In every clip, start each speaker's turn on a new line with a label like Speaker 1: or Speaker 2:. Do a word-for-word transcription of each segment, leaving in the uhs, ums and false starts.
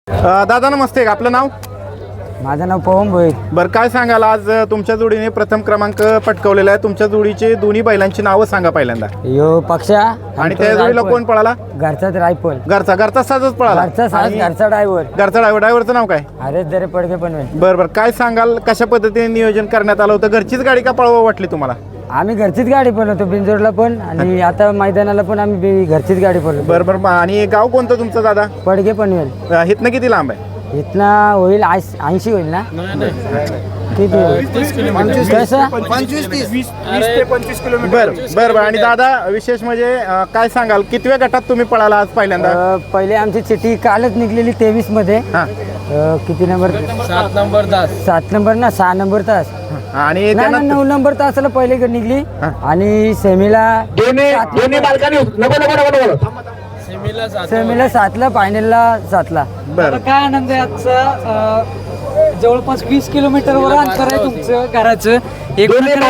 Speaker 1: अ, दादा नमस्ते, आपलं नाव?
Speaker 2: माझं नाव पवन भोईर.
Speaker 1: बरं, काय सांगाल आज अ, तुमच्या जोडीने प्रथम क्रमांक पटकावलेला आहे. तुमच्या जोडीचे दोन्ही बैलांची नावं सांगा पहिल्यांदा.
Speaker 2: यो पक्षा
Speaker 1: आणि त्या जोडीला कोण पळाला?
Speaker 2: घरचाच रायफल.
Speaker 1: घरचा घरचा साजच पळाला.
Speaker 2: घरचा साज,
Speaker 1: आणि
Speaker 2: घरचा ड्रायव्हर.
Speaker 1: घरचा ड्रायव्हर ड्रायव्हरचं नाव काय?
Speaker 2: अरे जरे पडके पण
Speaker 1: बरं बरं, काय सांगाल कशा पद्धतीने नियोजन करण्यात आलं होतं? घरचीच गाडी का पळवा वाटली तुम्हाला?
Speaker 2: आम्ही घरचीच गाडी पळवतो, बिंजोडला पण आणि आता मैदानाला पण आम्ही बी- घरचीच गाडी पळवतो.
Speaker 1: बरं बरं, आणि गाव कोणतं तुमचं दादा?
Speaker 2: पडके पनवेल.
Speaker 1: अ, इथनं किती लांब आहे?
Speaker 2: इथना होईल ऐंशी होईल ना? किती होईल? कसं?
Speaker 1: बरं बरं बरं. आणि दादा विशेष म्हणजे अ, काय सांगाल कितव्या गटात तुम्ही पळाला आज पहिल्यांदा?
Speaker 2: अं, पहिले आमची चिठ्ठी कालच निघलेली तेवीस मध्ये.
Speaker 1: हां
Speaker 2: अं, किती नंबर?
Speaker 3: सात नंबर तास
Speaker 2: सात नंबर ना, सहा नंबर तास.
Speaker 1: आणि
Speaker 2: नाही ना,
Speaker 1: त्यानंतर
Speaker 2: नऊ नंबर तासाला पहिले निघली आणि सेमीला
Speaker 3: सेमीला सात
Speaker 2: सेमीला सातला, फायनलला सातला.
Speaker 1: बरं
Speaker 4: काय आनंद आहे आजचा. अं, जवळपास वीस किलोमीटरवर अंतर आहे तुमचं घराचं. एक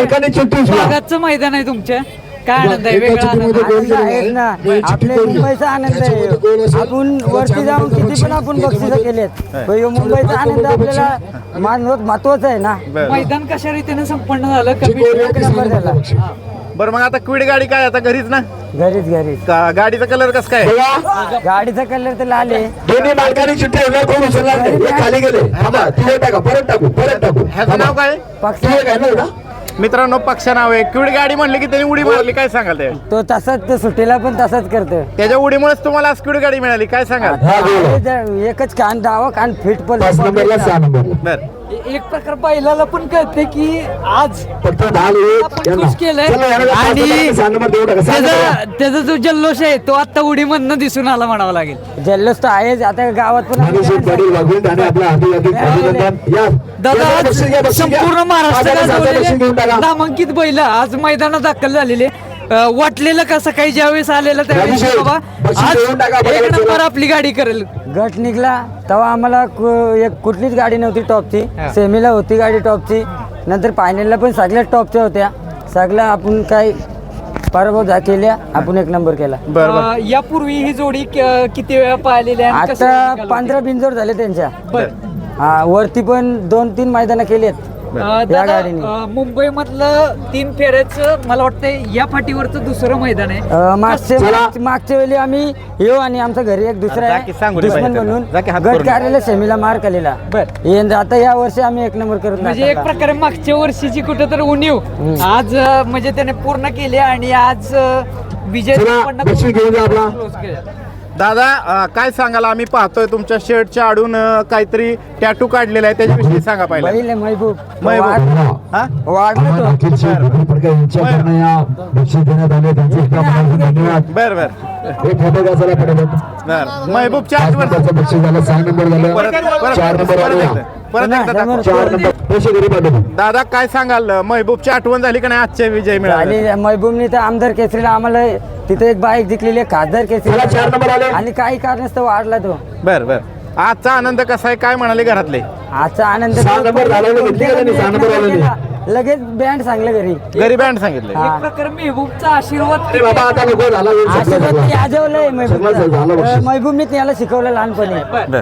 Speaker 4: भागाचं मैदान आहे तुमच्या. काय आनंद आहे, वेगळा आनंद.
Speaker 2: आनंद आहेच ना, आपल्या मुंबईचा आनंद आहे. आपण वरती जाऊन किती पण आपण बक्षिसं केलेत, पण ह्यो मुंबईचा आनंद आपल्याला महत्वाचा आहे ना.
Speaker 1: बरं
Speaker 4: मैदान कशा रीतीने संपन्न झालं, कमी
Speaker 2: एक नंबर झाला.
Speaker 1: बरं, मग आता क्विड गाडी काय आता घरीच ना?
Speaker 2: घरीच घरीच.
Speaker 1: का- गाडीचा कलर कसं काय?
Speaker 2: गाडीचा कलर तर लाल आहे.
Speaker 5: दोन्ही मालकांनी चिठ्ठी आणल्या, कोण उचलणार नाही. हे खाली गेले. थांबा, ती टाका, परत टाकू, परत टाकू.
Speaker 1: ह्याचं नाव काय?
Speaker 2: पक्ष
Speaker 5: ती एक आहे ना एवढा?
Speaker 1: मित्रांनो, पक्ष नाव आहे. क्विड गाडी म्हणली की त्यांनी उडी मारली, काय सांगाल ते?
Speaker 2: तो तसाच, तो सुट्टीला पण तसाच करतो.
Speaker 1: त्याच्या उडीमुळेच तुम्हाला आज क्विड गाडी मिळाली, काय सांगाल?
Speaker 5: हा, बोला.
Speaker 2: हे जर एकच कान डावा कान फिट पण
Speaker 5: पाच नंबरला सहा नंबर
Speaker 1: बरं
Speaker 4: एक प्रकार बैलाला पण कळते की आज
Speaker 5: फक्त दहा लोक
Speaker 4: आपण
Speaker 5: यांना.
Speaker 4: खुश केलंय.
Speaker 5: चला, यांना पाच
Speaker 4: आणि
Speaker 5: नंबर, सहा नंबर देऊ टाका. सहा
Speaker 4: त्याचा
Speaker 5: नंबर.
Speaker 4: त्याचा जो जल्लोष आहे तो आता उडीमधनं दिसून आला म्हणावं लागेल.
Speaker 2: जल्लोष तर आहेच. आता गावात पण
Speaker 5: माणूस पाटील वाघून आणि आपला हाती हाती अभिनंदन. या.
Speaker 4: दादा
Speaker 5: या,
Speaker 4: आज
Speaker 5: बक्षीस घ्या, बक्षीस घ्या.
Speaker 4: संपूर्ण
Speaker 5: पाच आणि सात बक्षीस घेऊन
Speaker 4: महाराष्ट्रात
Speaker 5: टाका.
Speaker 4: नामांकित बैल आज मैदानात दाखल झालेले. अं, वाटलेलं का सकाळी ज्यावेळेस आलेलं त्यावेळेस
Speaker 5: अभिषेक,
Speaker 4: बाबा
Speaker 5: बक्षीस
Speaker 4: आज
Speaker 5: देऊन टाका,
Speaker 4: एक
Speaker 5: बरोबर
Speaker 4: नंबर
Speaker 5: चला.
Speaker 4: आपली गाडी करेल.
Speaker 2: गट निघला तेव्हा आम्हाला कु- एक कुठलीच गाडी नव्हती टॉपची. सेमीला होती गाडी टॉपची, नंतर फायनलला पण सगळ्याच टॉपच्या होत्या. सगळ्या आपण काही पराभव झा केल्या, आपण एक नंबर केला.
Speaker 1: बरं बरं.
Speaker 4: अं, यापूर्वी ही जोडी क- किती वेळा पाहिलेली आहे आणि कसं
Speaker 2: आता
Speaker 4: निकाल
Speaker 2: पंधरा बिंजोड झाले त्यांच्या.
Speaker 4: बरं.
Speaker 2: हा, वरती पण दोन तीन मैदानं केली आहेत
Speaker 4: अं,
Speaker 2: या
Speaker 4: दादा,
Speaker 2: गाडीने.
Speaker 4: अं, मुंबईमधलं तीन फेऱ्याचं मला वाटतं या फाटीवरचं दुसरं मैदान आहे.
Speaker 2: अं, मागच्या मागच्या- मागच्या वेळी आम्ही येऊ आणि आमच्या घरी एक दुसरा
Speaker 1: जा की सांगू
Speaker 2: आहे
Speaker 1: दे
Speaker 2: दुश्मन
Speaker 1: पाहिजे
Speaker 2: म्हणून
Speaker 1: त्यांना. जा की हात
Speaker 2: गट
Speaker 1: करून.
Speaker 2: कार्याला सेमीला मार केलेला.
Speaker 4: बर
Speaker 2: यंदा आता या वर्षी आम्ही एक नंबर करून
Speaker 4: म्हणजे एक
Speaker 2: दाखवला.
Speaker 4: प्रकारे मागच्या वर्षीची कुठं तर उणीव आज अं, म्हणजे त्याने पूर्ण केली आणि आज अं, विजय
Speaker 5: चला,
Speaker 4: संपन्न
Speaker 5: बक्षीस घेऊन जा आपला.
Speaker 4: close केलं.
Speaker 1: दादा अ, काय सांगाल? आम्ही पाहतोय तुमच्या शर्टच्या आडून अ, काहीतरी टॅटू काढलेला आहे, त्याच्याविषयी सांगा पहिला.
Speaker 2: बैल आहे महबूब.
Speaker 1: महबूब.
Speaker 2: वाढ-
Speaker 1: हा?
Speaker 2: वाढला
Speaker 5: आम्हाला
Speaker 2: तो.
Speaker 5: अखिल शेठ फडके यांच्याकडनं या बक्षीस देण्यात आले. त्यांचे इतका मनापासून धन्यवाद.
Speaker 1: बरं बरं
Speaker 5: एक फोटो घ्या चला पटापट.
Speaker 1: बरं. महबूबच्या
Speaker 5: पाच
Speaker 1: आठवण
Speaker 5: नंबरचं बक्षीस झालं, सहा नंबर झालं,
Speaker 1: परत परत
Speaker 5: चार नंबर
Speaker 1: परत
Speaker 5: आले.
Speaker 1: एकदा. परत एकदा दाखवा.
Speaker 5: चार नंबर पैसे घरी पाठवतो.
Speaker 1: दादा काय सांगाल? महबूबची आठवण झाली का नाही आजच्या विजय मिळाला?
Speaker 2: आणि महबूबनी तर आमदार केसरीला आम्हाला तिथे एक बाईक जिंकलेली आहे, खासदार
Speaker 5: चला, चार नंबर आले.
Speaker 2: केसरी. आणि काही कारणास्तव वाढला तो.
Speaker 1: बरं बरं. आजचा आनंद कसा आहे, काय म्हणाले घरातले?
Speaker 2: आजचा आनंद
Speaker 5: सहा नंबर झाला ना, घेतली का त्यांनी? सहा नंबर आला नाही.
Speaker 2: लगेच बँड सांगलं घरी.
Speaker 1: घरी बँड सांगितले.
Speaker 4: एक प्रकारे मेहबूबचा आशीर्वाद
Speaker 5: अरे बाबा आता नको झाला वेळ संपला
Speaker 2: आशीर्वाद
Speaker 5: सगळा.
Speaker 2: याजवलंय
Speaker 5: सगळं झालं बक्षीस.
Speaker 2: महबूबनी त्याला शिकवलं लहानपणी.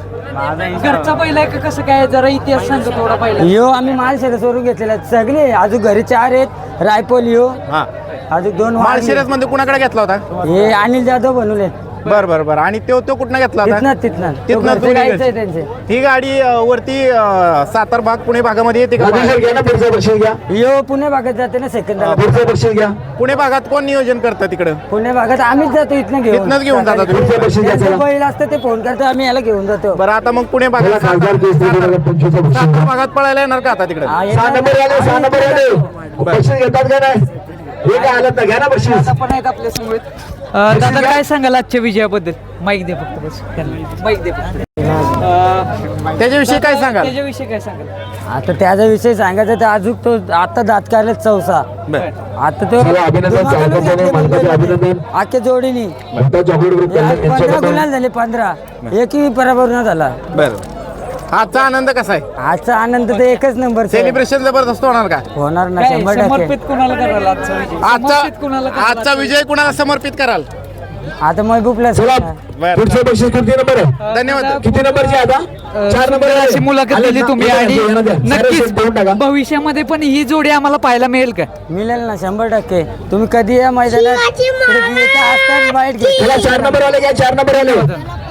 Speaker 1: बरं
Speaker 4: घरचा पहिला आहे का कसं काय, जरा इतिहास सांगतो थोडा पहिला.
Speaker 2: यो आम्ही माळशिरसवरून घेतलेला सगळे. अजून घरी चार आहेत. रायपोल यो
Speaker 1: हा.
Speaker 2: अजून दोन
Speaker 1: माळशिरस मध्ये कुणाकडे घेतला होता?
Speaker 2: हे अनिल जाधव बनवले.
Speaker 1: बरं बरं बरं. आणि तो तो कुठनं घेतला होता?
Speaker 2: तिथनं तिथनं
Speaker 1: तिथनं
Speaker 2: घरचे
Speaker 1: दोन्ही
Speaker 2: गाईचं आहे
Speaker 1: घरचे.
Speaker 2: त्यांचे.
Speaker 1: ही गाडी अ, वरती अ, सातार भाग पुणे भागामध्ये येते का?
Speaker 5: राजेश सर घ्या ना, पुढचं बक्षीस घ्या.
Speaker 2: यो पुणे भागात जाते ना सेकंदाला.
Speaker 5: पुढचं बक्षीस घ्या.
Speaker 1: पुणे भागात कोण नियोजन करतं तिकडं?
Speaker 2: पुणे भागात आम्हीच जातो इथनं घेऊन.
Speaker 1: इथनंच घेऊन जाता तुम्ही?
Speaker 5: पुढचं बक्षीस घ्या
Speaker 2: त्यांचं
Speaker 5: चला.
Speaker 2: बैल असतं ते फोन करतो, आम्ही याला घेऊन जातो.
Speaker 1: बरं, आता मग पुणे
Speaker 5: चला,
Speaker 1: भागात
Speaker 5: खासदार केस दोन हजार पंचवीसचं बक्षीस
Speaker 1: सातार
Speaker 5: घ्या.
Speaker 1: भागात पळायला येणार का आता तिकडं?
Speaker 2: हा,
Speaker 5: सहा
Speaker 2: येणार.
Speaker 5: नंबर आले, सहा नंबर आले. बक्षीस घेतात का नाही? हे काय आलं तर घ्या ना बक्षीस.
Speaker 4: दादा पण आहेत आपल्या समोर. अं, दादा काय सांगाल आजच्या विजयाबद्दल? माईक दे फक्त बस त्यांना. माईक दे फक्त. अं,
Speaker 1: त्याच्याविषयी काय सांगाल?
Speaker 4: त्याच्याविषयी काय सांगाल?
Speaker 2: आता त्याचा विषय सांगायचा तर अजून तो आता दात काढले चौसा.
Speaker 1: बरं
Speaker 2: आता तो
Speaker 5: चला, अभिनंदन,
Speaker 2: दोन
Speaker 5: चालतं
Speaker 2: मागायला
Speaker 5: त्याने,
Speaker 2: घेतले
Speaker 5: मालकाचे
Speaker 2: मुंबईमध्ये.
Speaker 5: अभिनंदन.
Speaker 2: आख्या जोडीनी
Speaker 5: म्हणता चॉकलेट ग्रुप
Speaker 2: या पंधरा
Speaker 5: यांच्याकडनं
Speaker 2: गुलाल झाले. पंधरा एकही पराभव न झाला.
Speaker 1: बरं. आजचा आनंद कसा आहे?
Speaker 2: आजचा आनंद तर एकच नंबर
Speaker 1: सेलिब्रेशन जबरदस्त होणार का?
Speaker 2: होणार ना
Speaker 4: काय
Speaker 2: शंभर टक्के.
Speaker 4: समर्पित कुणाला कराल आजचा विजय?
Speaker 1: आजचा
Speaker 4: समर्पित कुणाला कराल
Speaker 1: आजचा विजय कुणाला समर्पित कराल?
Speaker 2: आता महबूबला
Speaker 5: चला
Speaker 1: बरं.
Speaker 5: पुढचं बक्षीस किती नंबर आहे
Speaker 1: धन्यवाद.
Speaker 5: किती नंबरची आता चार नंबर आहे.
Speaker 4: अशी मुलाखत
Speaker 5: आले
Speaker 4: दिली
Speaker 5: ना?
Speaker 4: तुम्ही
Speaker 5: येणार
Speaker 4: आणि
Speaker 5: द्या, येणार द्या. सारे
Speaker 4: नक्कीच
Speaker 5: शेट देऊन टाका.
Speaker 4: भविष्यामध्ये पण ही जोडी आम्हाला पाहायला मिळेल का?
Speaker 2: मिळेल ना शंभर टक्के. तुम्ही कधी या मैदानात इकडे येता असताना बाईट घ्या.
Speaker 5: चला चार नंबर आले घ्या चार नंबर आले